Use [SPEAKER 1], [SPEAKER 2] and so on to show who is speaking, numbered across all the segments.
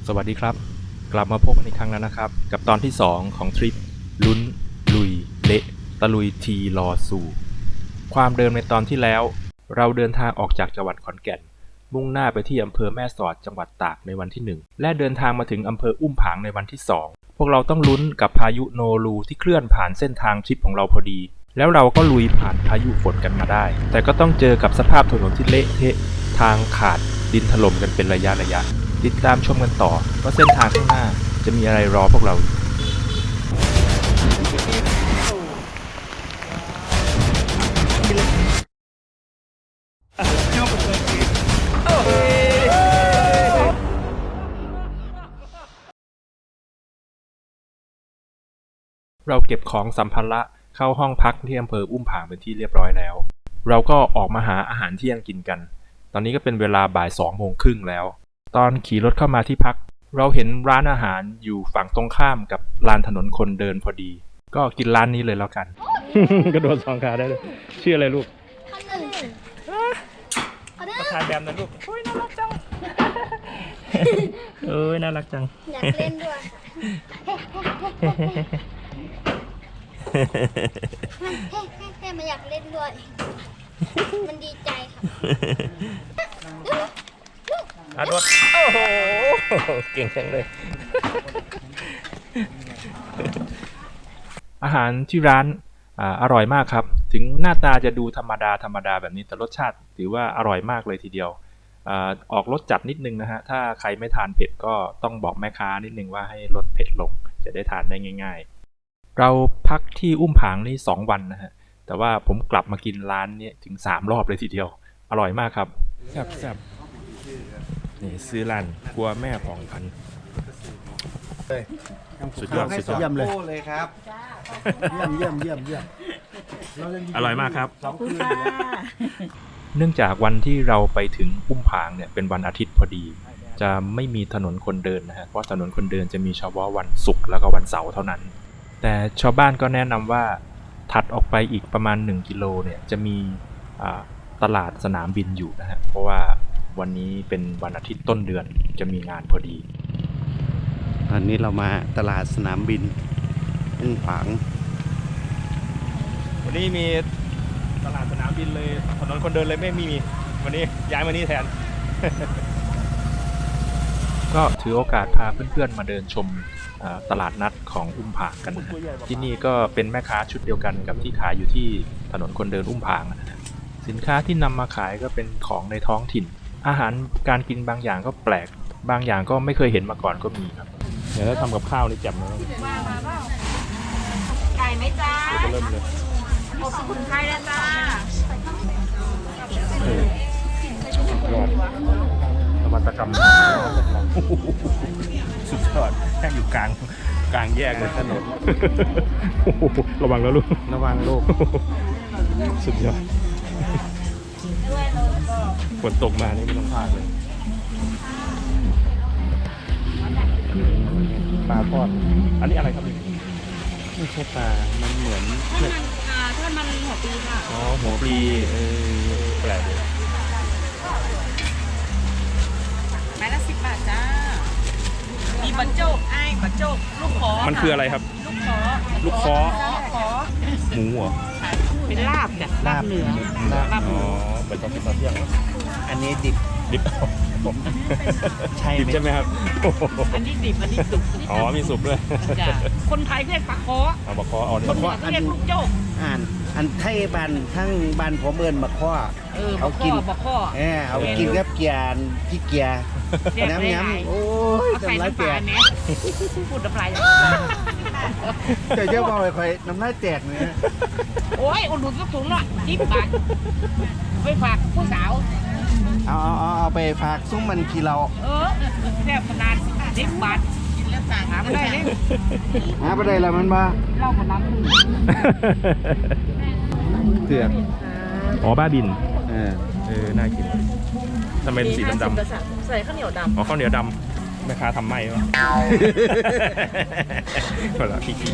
[SPEAKER 1] สวัสดีครับกลับมาพบกันอีกครั้งแล้วนะครับกับตอนที่2ของทริปลุ้นลุยเละตะลุยทีรอสู่ความเดิมในตอนที่แล้วเราเดินทางออกจากจังหวัดขอนแก่นมุ่งหน้าไปที่อำเภอแม่สอดจังหวัดตากในวันที่1และเดินทางมาถึงอำเภออุ้มผางในวันที่2พวกเราต้องลุ้นกับพายุโนรูที่เคลื่อนผ่านเส้นทางทริปของเราพอดีแล้วเราก็ลุยผ่านพายุฝนกันมาได้แต่ก็ต้องเจอกับสภาพถนนที่เละเทะทางขาดดินถล่มกันเป็นระยะติดตามชมกันต่อว่าเส้นทางข้างหน้าจะมีอะไรรอพวกเราเราเก็บของสัมภาระเข้าห้องพักที่อำเภออุ้มผางเป็นที่เรียบร้อยแล้วเราก็ออกมาหาอาหารเที่ยงกินกันตอนนี้ก็เป็นเวลาบ่าย2:30แล้วตอนขี่รถเข้ามาที่พักเราเห็นร้านอาหารอยู่ฝั่งตรงข้ามกับลานถนนคนเดินพอดีก็กินร้านนี้เลยแล้วกัน กระโดด2 ขาได้เลยชื่ออะไรลูกมาทานแบมนะลูกโอ้ยน่ารักจังเอ้ยน่ารักจัง
[SPEAKER 2] อยากเล่นด้วยมันอยากเล่นด้วยมันดีใจครับ
[SPEAKER 1] อาดวดโอ้โหเก่งจังเลยอาหารที่ร้านอร่อยมากครับถึงหน้าตาจะดูธรรมดาแบบนี้แต่รสชาติถือว่าอร่อยมากเลยทีเดียวออกรสจัดนิดนึงนะฮะถ้าใครไม่ทานเผ็ดก็ต้องบอกแม่ค้านิดนึงว่าให้ลดเผ็ดลงจะได้ทานได้ง่ายๆเราพักที่อุ้มผางนี่2 วันนะฮะแต่ว่าผมกลับมากินร้านนี้ถึง3 รอบเลยทีเดียวอร่อยมากครับแซ่บนี่ซื้อร้านครัวแม่ผ่องพันธุ์สุดยอด
[SPEAKER 3] เยี่ยมเลยครับเยี่ยม
[SPEAKER 1] อร่อยมากครับเนื่องจากวันที่เราไปถึงอุ้มผางเนี่ยเป็นวันอาทิตย์พอดีจะไม่มีถนนคนเดินนะฮะเพราะถนนคนเดินจะมีเฉพาะวันศุกร์แล้วก็วันเสาร์เท่านั้นแต่ชาวบ้านก็แนะนำว่าถัดออกไปอีกประมาณ1 กิโลเนี่ยจะมีตลาดสนามบินอยู่นะฮะเพราะว่าวันนี้เป็นวันอาทิตย์ต้นเดือนจะมีงานพอดี
[SPEAKER 3] วันนี้เรามาตลาดสนามบินอุ้มผาง
[SPEAKER 1] วันนี้มีตลาดสนามบินเลยถนนคนเดินเลยไม่มีวันนี้ย้ายมานี่แทน ก็ถือโอกาสพาเพื่อนๆมาเดินชมตลาดนัดของอุ้มผางกันนะที่นี่ก็เป็นแม่ค้าชุดเดียวกันกับที่ขายอยู่ที่ถนนคนเดินอุ้มผางนะสินค้าที่นำมาขายก็เป็นของในท้องถิ่นอาหารการกินบางอย่างก็แปลกบางอย่างก็ไม่เคยเห็นมาก่อนก็มีครับเดี๋ยวถ้าทำกับข้าวนี่แจ่มเลย
[SPEAKER 4] ไก่ไหมจ้า
[SPEAKER 1] ก็เริ่มเลย
[SPEAKER 4] อบสมุนไพรนะจ้าย
[SPEAKER 1] อดนวัตกรรมสุดยอดแค่อยู่กลางแยกเลยถนนระวังแล้วลูก
[SPEAKER 3] ระวังลูก
[SPEAKER 1] สุดยอดฝนตกมานี่ไม่ต้องพลาดเลยปลาทอดอันนี้อะไรครับ
[SPEAKER 3] ไม่ใช่ปลามันเหมือน
[SPEAKER 4] ทอดมันหัวปีค่ะ
[SPEAKER 1] อ๋อหัวปีแปลกเลย
[SPEAKER 4] ไม้ละ10 บาทจ้ามีบันโจกไอ้บันโจกลูกขอ
[SPEAKER 1] มันคืออะไรครับลูกขอหมูเหรอ
[SPEAKER 4] เป็นลาบจ้ะลาบเหนือลาบหมู
[SPEAKER 1] เป็นตอนเที่ยง
[SPEAKER 3] อันนี้ดิบ
[SPEAKER 1] ใช่ดิบใช่ไหมครับ
[SPEAKER 4] อันนี้ดิบอันนี้สุก
[SPEAKER 1] อ๋อมีสุกด้วย
[SPEAKER 4] คนไทยเรียกปลาคอ
[SPEAKER 1] ปลาคออ๋อ
[SPEAKER 4] ปลาคอเรียกลูกโจก
[SPEAKER 3] อันไทยบันทั้งบันผมเอิญมาข้อ
[SPEAKER 4] เอากิน
[SPEAKER 3] เอากินกับเกียร์ที่เกียร์น้ำโอ้ยน้ำลายแตก
[SPEAKER 4] พูดน้ำลาย
[SPEAKER 3] เจ้าบอกไปน้ำลายแตกเลย
[SPEAKER 4] โอ้ยอุ่นๆก็ถุงละ10 บาทไปฝากผู้สาว
[SPEAKER 3] เอาไปฝากซุ้มมันกี่เรา
[SPEAKER 4] แซ่บขนาด10 บาทกินแล้วสั่งหาไม่ได้เลย
[SPEAKER 3] หาไม่ได้แล้วมันมา
[SPEAKER 4] เล่ากับน้ำ
[SPEAKER 3] เตือก
[SPEAKER 1] อ๋อบ้าบินน่ากินทำไมสีดำ
[SPEAKER 4] ใส่ข้าวเหนียวดำ
[SPEAKER 1] อ๋อข้าวเหนียวดำแม่ค้าทำไหมวะก็ละพี่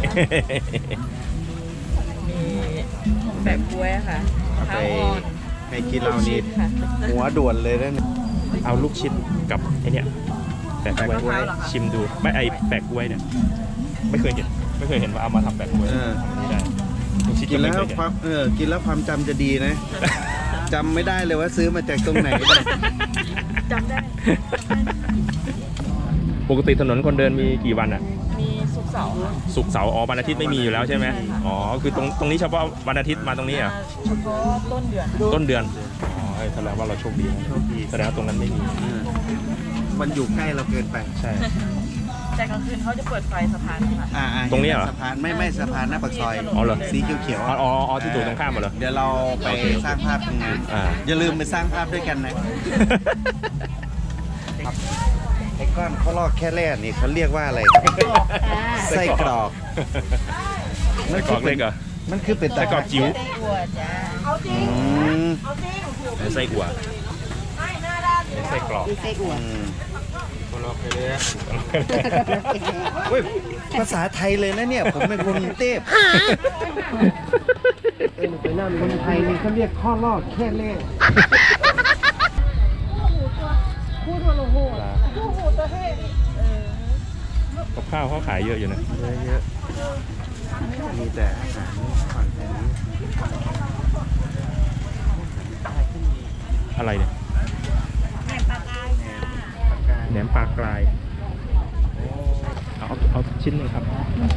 [SPEAKER 4] แบบกล้วยค่ะข้าวอ่อน
[SPEAKER 3] ให้กินเรานี่หัวด่วนเลยนะ
[SPEAKER 1] เอาลูกชิ้นกับไอเนี้ยแปะกล้วยชิมดูไม่ไอแปะกล้วยเนี่ยไม่เคยเห็นว่าเอามาทำแปะกล้วยทำอันนี้ได้ลูกชิด
[SPEAKER 3] กิน
[SPEAKER 1] ไม่
[SPEAKER 3] แล้ว
[SPEAKER 1] เคยเห็น
[SPEAKER 3] ความกินแล้วความจำจะดีนะจำไม่ได้เลยว่าซื้อมาจากตรงไหน
[SPEAKER 4] จำได้
[SPEAKER 1] ปกติถนนคนเดินมีกี่วันอ่ะ
[SPEAKER 4] มีศุกร์เสาร์ค่ะ
[SPEAKER 1] ศุกร์เสาร์วันอาทิตย์ไม่มีอยู่แล้วใช่ไหมอ๋อคือตรงนี้เฉพาะวันอาทิตย์มาตรงนี้เหรอ่ะ
[SPEAKER 4] เฉพาะต้นเดือน
[SPEAKER 1] ต้นเดือนอ๋อแสดงว่าเราโชคดีนะแสดงว่าตรงนั้นไม่มี
[SPEAKER 3] มันอยู่ใกล้เราเกินไป
[SPEAKER 1] ใช่
[SPEAKER 4] แต่กลางคืนเขาจะเปิดไฟสะพานค่ะ
[SPEAKER 1] ตรงนี้เหรอ
[SPEAKER 3] สะพานไม่สะพานหน้าปากซอย
[SPEAKER 1] อ๋อเหรอ
[SPEAKER 3] สีเขียว
[SPEAKER 1] อ๋อที่ถูกตรงข้ามเหรอ
[SPEAKER 3] เดี๋ยวเราไปสร้างภาพตรงนั้น อย่าลืมไปสร้างภาพด้วยกันนะไอ้ก้อนข้าวลอกแค่แรกนี่เขาเรียกว่าอะไรไส้กรอก
[SPEAKER 1] ไส้กรอกเล็กเหรอ
[SPEAKER 3] มันคือเป็น
[SPEAKER 1] ไส้กรอกจิ๋ว
[SPEAKER 3] อืม
[SPEAKER 1] ไส้อั่วไส้กรอก
[SPEAKER 3] เฮ้ยภาษาไทยเลยนะเนี่ย ผมเป็นคนกรุงเทพคนไทยนี่เขาเรียกข้อลอกแค่แรก
[SPEAKER 1] กับข้าวเขาขายเยอะอยู่นะ
[SPEAKER 3] เยอะๆมีแต่อาหารฝั่งแถวนี้
[SPEAKER 1] อะไรเนี่ยแหนมปลากรายเอาชิ้นหนึงครับ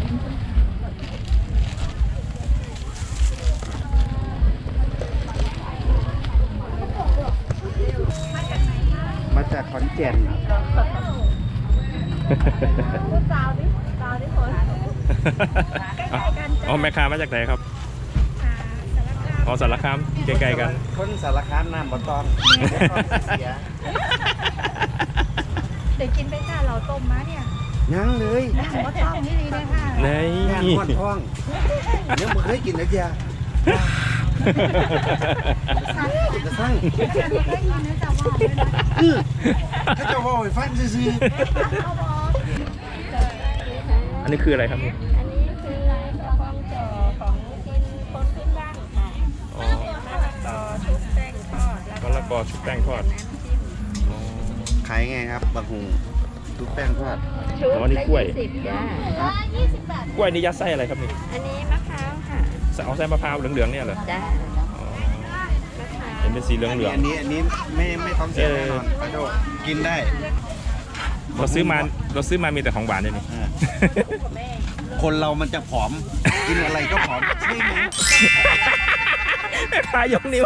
[SPEAKER 3] มาจากขอนแก่น
[SPEAKER 1] อ๋อแม่ค้ามาจากไหนครับอ๋อสารคามใกล้ๆกัน
[SPEAKER 3] คนสารคามน้ำบ่ต้องเสีย
[SPEAKER 2] เดี๋ยวกินไปจ้าเราต้มมาเนี่ย
[SPEAKER 3] ยังเลย
[SPEAKER 2] ก็ต้องนี่ดีเลยค่ะ
[SPEAKER 1] ใน
[SPEAKER 3] งานหอดท้องยังไม่เคยกินนะเจียจะสร้าง
[SPEAKER 2] ไม่ได้ยินนะจ๊ะว่าเลยนะ
[SPEAKER 3] ถ้าจะว่าให้ฟังซื่อ
[SPEAKER 1] อันนี้คืออะไรครับนี่
[SPEAKER 2] อันนี้คือกระป๋องจ่อของกินคนพื้นบ้านค่ะ
[SPEAKER 1] อ๋อ
[SPEAKER 2] มะละกอชุบแป้งทอด
[SPEAKER 1] มะละกอชุบแป้งทอด
[SPEAKER 2] น้ำจิ้ม
[SPEAKER 1] อ๋อ
[SPEAKER 3] ๆขายไงครับบะหุงทุกแป้งทอด
[SPEAKER 2] ชุบ
[SPEAKER 1] อ๋อนี่กล้วย
[SPEAKER 2] ละ20จ้า20 บาท
[SPEAKER 1] กล้วยนี่ยัดไส้อะไรครับนี่
[SPEAKER 2] อันนี้มะพร้าวค่ะ
[SPEAKER 1] เอาไส้มะพร้าวเหลืองๆเนี่ยเหรอ
[SPEAKER 2] จ้า
[SPEAKER 1] อ๋อ
[SPEAKER 2] มะพร้าว
[SPEAKER 1] เห็นเป็นสีเหลือง
[SPEAKER 3] อันนี้ไม่ท้องเสียแน่นอนปลาโดกินได้
[SPEAKER 1] ๆเราซื้อมามีแต่ของหวานเลยนี่
[SPEAKER 3] คนเรามันจะผอม กินอะไรก็ผอมใช่ไหม
[SPEAKER 1] แม่ค้ายกนิ้ว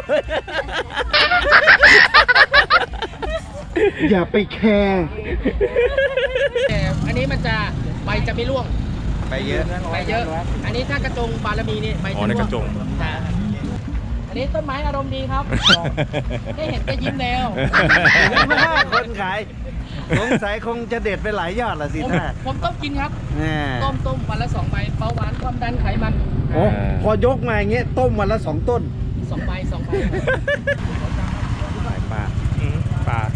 [SPEAKER 3] อย่าไปแคร์
[SPEAKER 5] แต่อันนี้มันจะใบจะไม่ร่วง
[SPEAKER 3] ไปเยอะ
[SPEAKER 5] ใบเยอะ อันนี้ถ้ากระจงบารมีนี่ใบ
[SPEAKER 1] อ๋อ
[SPEAKER 5] จะ
[SPEAKER 1] ใน
[SPEAKER 5] ร่วง
[SPEAKER 1] กระจง
[SPEAKER 5] จ้ะอันนี้ต้นไม้อารมณ์ดีครับ ได้เห็นก็ยิ้มแล้ว
[SPEAKER 3] คนขายสงสัยคงจะเด็ดไปหลายยอดละสิท่า
[SPEAKER 5] ผมต้มกินครับ
[SPEAKER 3] แน่
[SPEAKER 5] ต้มวันละ2 ใบเบาหวานความดันไขมัน
[SPEAKER 3] โอ้พอยกมาอย่างเงี้ยต้มวันละ2 ต้น
[SPEAKER 5] 2 ใบ 2 ใบ
[SPEAKER 1] สายปลาปลา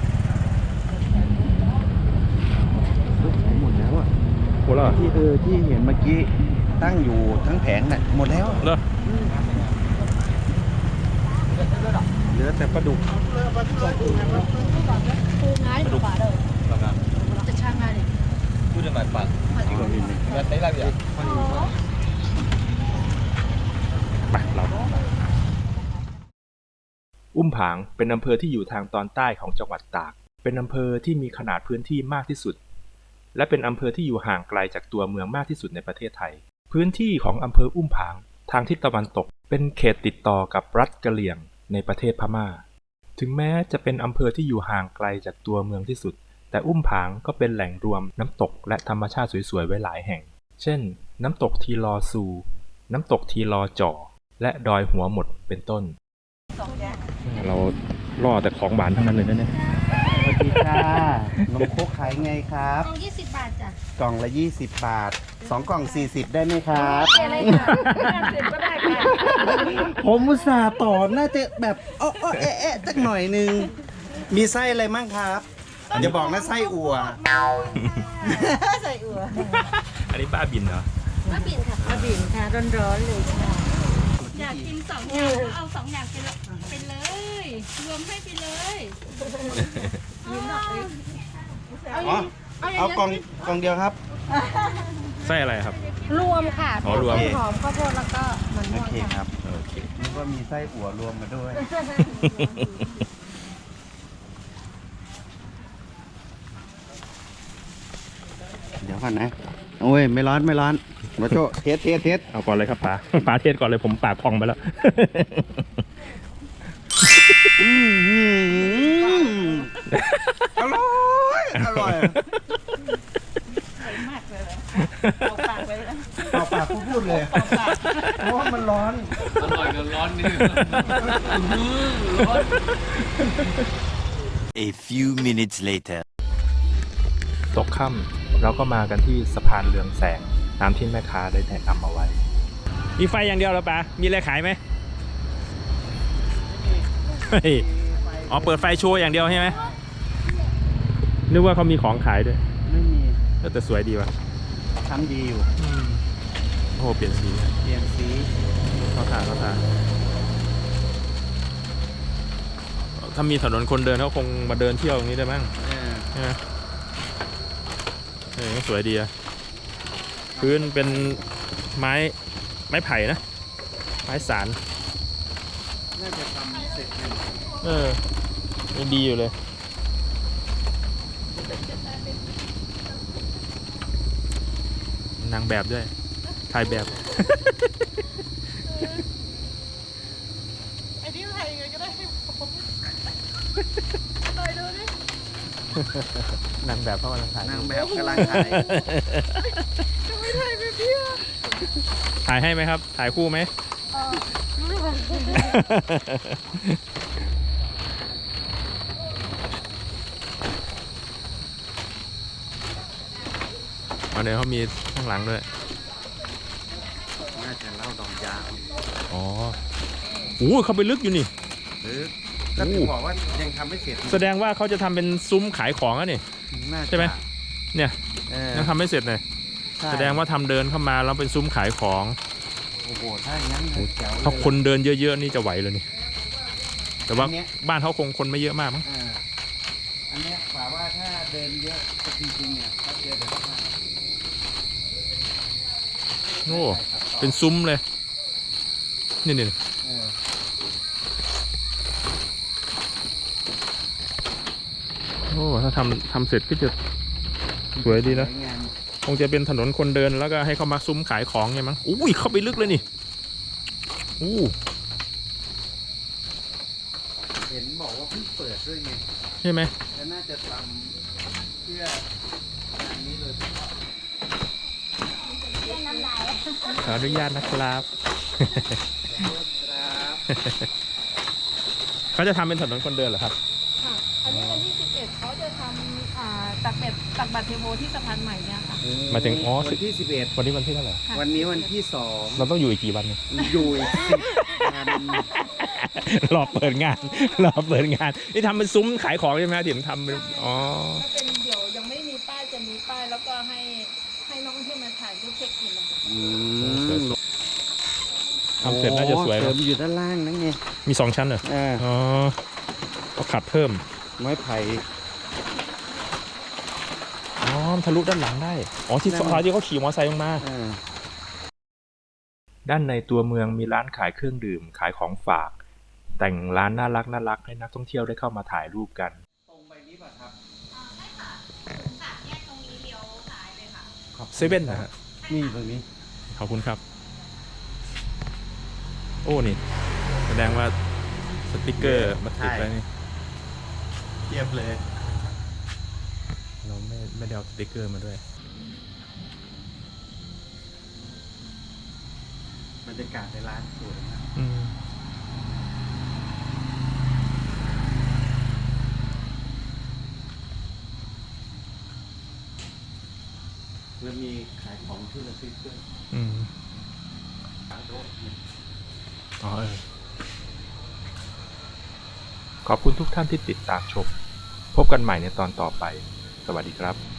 [SPEAKER 3] หมดแล้วอ่ะ
[SPEAKER 1] โหแล้วเหรอ
[SPEAKER 3] ที่เห็นเมื่อกี้ตั้งอยู่ทั้งแผงน่ะหมดแล้ว
[SPEAKER 1] เหรอ
[SPEAKER 3] เหลือแต่ปลาดุก
[SPEAKER 2] ปูง่ายกว่าเลยจะช่างง่ายเลย
[SPEAKER 1] ไปเราอุ้มผางเป็นอำเภอที่อยู่ทางตอนใต้ของจังหวัดตาก เป็นอำเภอที่มีขนาดพื้นที่มากที่สุด และเป็นอำเภอที่อยู่ห่างไกลจากตัวเมืองมากที่สุดในประเทศไทย พื้นที่ของอำเภออุ้มผางทางทิศตะวันตกเป็นเขตติดต่อกับรัฐกะเหรี่ยงในประเทศพม่า ถึงแม้จะเป็นอำเภอที่อยู่ห่างไกลจากตัวเมืองที่สุด แต่อุ้มผางก็เป็นแหล่งรวมน้ำตกและธรรมชาติสวยๆไว้หลายแห่ง เช่น น้ำตกทีลอซู น้ำตกทีลอจ่อ และดอยหัวหมดเป็นต้น เราล่อแต่ของหวานทั้งนั้นเลยนะเนี่ย
[SPEAKER 3] สวัสดีค่ะนมโคกขายไงครับ
[SPEAKER 2] กล่อง20 บาทจ้ะ
[SPEAKER 3] กล่องละ20 บาท2 กล่อง 40 ได้ไหมครับ
[SPEAKER 2] อะไรค่ะ50ก็ได้ค่ะ
[SPEAKER 3] ผมอุตส่าห์ต่อน่าจะแบบแอะจักหน่อยนึง มีไส้อะไรมั่งครับอย่าบอกนะไส้อั่ว
[SPEAKER 2] ใส่อั่ว
[SPEAKER 1] อันนี้บ้าบินเหรอ
[SPEAKER 2] มะบินค่ะมะบินค่ะร้อนๆเลยค่ะอยากกิน2 อย่างก็เอา2 อย่างไปเลย รวมให้ไปเลยยิ้มหน่อย
[SPEAKER 3] อ๋อเอากล่องเดียวครับ
[SPEAKER 1] ไส้อะไรครับ
[SPEAKER 2] รวมค่ะ
[SPEAKER 1] อ๋อรวม
[SPEAKER 2] หอมข้าวโพดแล้วก็มัน
[SPEAKER 3] โอ
[SPEAKER 2] ม่วง
[SPEAKER 3] เคค
[SPEAKER 2] ค่ะ
[SPEAKER 3] รับ
[SPEAKER 1] โอเค
[SPEAKER 3] นึกว่ามีไส้อั่วรวมมาด้วย เดี๋ยวก่อนนะ โอ้ย ไม่ร้อนไม่ร้อนมาโจเทส
[SPEAKER 1] เอาก่อนเลยครับป๋า ป๋าเทศก่อนเลยผมปากพองไปแล้ว
[SPEAKER 3] อร่อยอร่อย
[SPEAKER 2] มากเลยเอาปากไปแล้ว
[SPEAKER 3] เปล่าปากพูดเลยเพราะว่ามันร้อน
[SPEAKER 6] อร่อยกับร้อนนี่ร้อน
[SPEAKER 7] A few minutes later.
[SPEAKER 1] ตกค่ำเราก็มากันที่สะพานเรืองแสงตามที่แม่ค้าได้แนะนำเอาไว้ มีไฟอย่างเดียวเหรอป๋ามีอะไรขายไหมเฮ้ยอ๋อเปิดไฟโชว์อย่างเดียวใช่ไหมนึกว่าเขามีของขายด้วย
[SPEAKER 3] ไม่มี
[SPEAKER 1] แต่สวยดีว่ะ
[SPEAKER 3] ทำดีอยู่
[SPEAKER 1] โอ้โหเปลี่ยนสี
[SPEAKER 3] เปลี่ยนสี
[SPEAKER 1] เข้าทางถ้ามีถนนคนเดินเขาคงมาเดินเที่ยวตรงนี้ได้มั้งใช่ไหมสวยดีอะพื้นเป็นไม้ไผ่นะ ไม้สาร
[SPEAKER 3] น่าจะทำเสร็จเลย
[SPEAKER 1] ยังดีอยู่เลย นางแบบด้วย ถ่ายแบบ
[SPEAKER 4] ไอ้ที่ไทยไงก็ได้
[SPEAKER 1] นางแบบเข้ามากำลังถ่าย
[SPEAKER 3] นางแบบกำลังถ่าย
[SPEAKER 1] ถ่ายให้ไหมครับ ถ่ายคู่ไหม เดี๋ยวเขามีข้างหลังด้วย
[SPEAKER 3] น่าจะเล่าดอกยาง
[SPEAKER 1] อ๋อโอ้เขาไปลึกอยู่นี่
[SPEAKER 3] หรือก็ถึงบอกว่ายังทำไม่เสร็จ
[SPEAKER 1] แสดงว่าเขาจะทำเป็นซุ้มขายของอะนี่
[SPEAKER 3] น่าจะ
[SPEAKER 1] ใช่ไหม เนี่ย
[SPEAKER 3] เออ
[SPEAKER 1] ยังทำไม่เสร็จเลย
[SPEAKER 3] ใช่
[SPEAKER 1] แสดงว่าทำเดินเข้ามาแล้วเป็นซุ้มขายของ
[SPEAKER 3] โอ้โหถ้าอย่างนั้นแจ๋วเลย
[SPEAKER 1] ถ้าคนเดินเยอะๆนี่จะไหวเลยนี่ แต่ว่า
[SPEAKER 3] อันเนี้ย
[SPEAKER 1] บ้านเขาคงคนไม่เยอะมากมั้ง
[SPEAKER 3] อันเนี้ยกว่าว่าถ้าเดินเยอะจริงๆเนี่ยก็เจอเดี๋ยวเขามา
[SPEAKER 1] โอ้ เป็นซุ้มเลย นี่
[SPEAKER 3] เออ
[SPEAKER 1] โอ้ถ้าทำเสร็จก็จะสวยดีนะ
[SPEAKER 3] สวยงาม
[SPEAKER 1] คงจะเป็นถนนคนเดินแล้วก็ให้เขามาซุ้มขายของไงมั้งอุ้ยเข้าไปลึกเลยนี่อู้
[SPEAKER 3] เห็นบอกว่าเพิ่งเปิดด้วยไง
[SPEAKER 1] ใช่ไหม
[SPEAKER 3] แล้วน่าจะทำเพื่องานนี้เลย
[SPEAKER 1] ขออนุญาตนะครับ
[SPEAKER 3] ครับ
[SPEAKER 1] เขาจะทำเป็นถนนคนเดินเหรอครับ
[SPEAKER 2] ค่ะอันนี้วันที่ 11เขาจะทำตักบัตรเทโพที่สะพานใหม่เนี่ยค่ะ
[SPEAKER 1] มาถึงอ๋อ
[SPEAKER 3] วันที่
[SPEAKER 1] วันนี้วันที่เท่าไหร่
[SPEAKER 3] 11 วันนี้วันที่
[SPEAKER 1] เราต้องอยู่อีกกี่วันเนี่ย
[SPEAKER 3] 2 อยู่อีก10 วัน
[SPEAKER 1] รอเปิดงาน รอเปิดงาน นี่ทำเป็นซุ้มขายของใช่ไหมที่ผมทำเป็นอ๋อ
[SPEAKER 2] ถ้าเป็นเดี๋ยวยังไม่มีป้ายจะมีป้ายแล้วก็ให้น้องที่มาถ่ายรูปเช็คอินนะคะ
[SPEAKER 1] ทำเสร็จน่าจะสวย
[SPEAKER 3] เสริ
[SPEAKER 1] นะ
[SPEAKER 3] มอยู่ด้านล่างนั่นไง
[SPEAKER 1] มี2 ชั้นเหรอ
[SPEAKER 3] อ่า
[SPEAKER 1] อ๋อเขาขัดเพิ่ม
[SPEAKER 3] ไม้ไผ่
[SPEAKER 1] อ๋อทะลุด้านหลังได้ อ๋อที่
[SPEAKER 3] นั่น
[SPEAKER 1] ซอยที่เขาขี่มอเตอร์ไซค์ลงมา
[SPEAKER 3] อ่า
[SPEAKER 1] ด้านในตัวเมืองมีร้านขายเครื่องดื่มขายของฝาก แต่งร้านน่ารักให้นักท่องเที่ยวได้เข้ามาถ่ายรูปกัน
[SPEAKER 3] ตรงไปนี้ป่ะครับ
[SPEAKER 1] เซเว่นนะฮะ
[SPEAKER 3] นี่ตรงนี้
[SPEAKER 1] ขอบคุณครับ โอ้นี่ แสดงว่าสติกเกอร์มาติดไว้นี่
[SPEAKER 3] เทียบเลย
[SPEAKER 1] เราไม่ได้เอาสติกเกอร์มาด้วย
[SPEAKER 3] บรรยากาศในร้านสวยมาก
[SPEAKER 1] อืม
[SPEAKER 3] แล้วมีขายของที่ระลึกด้วย
[SPEAKER 1] อืมอ๋อขอบคุณทุกท่านที่ติดตามชม พบกันใหม่ในตอนต่อไป สวัสดีครับ